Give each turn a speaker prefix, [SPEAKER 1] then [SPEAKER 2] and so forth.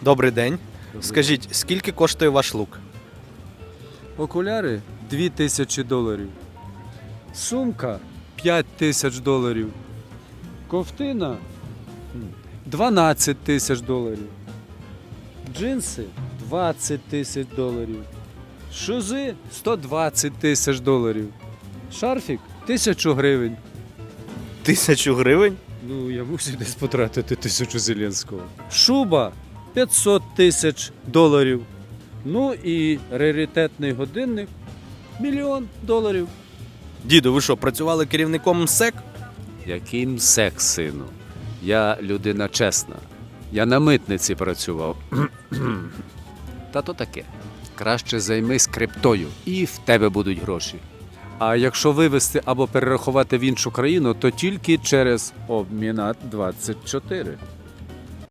[SPEAKER 1] Добрий день. Скажіть, скільки коштує ваш лук?
[SPEAKER 2] Окуляри $2000. Сумка $5000. Ковтина $12 000. Джинси $20 000. Шузи $120 000. Шарфік 1000 гривень.
[SPEAKER 1] 1000 гривень?
[SPEAKER 2] Ну, я мусив десь потратити 1000 Зеленського. Шуба $500 000. Ну і раритетний годинник $1 000 000.
[SPEAKER 1] Діду, ви що, працювали керівником МСЕК?
[SPEAKER 2] Який МСЕК, сину? Я людина чесна. Я на митниці працював. Та то таке. Краще займись криптою, і в тебе будуть гроші. А якщо вивезти або перерахувати в іншу країну, то тільки через Обмінат 24.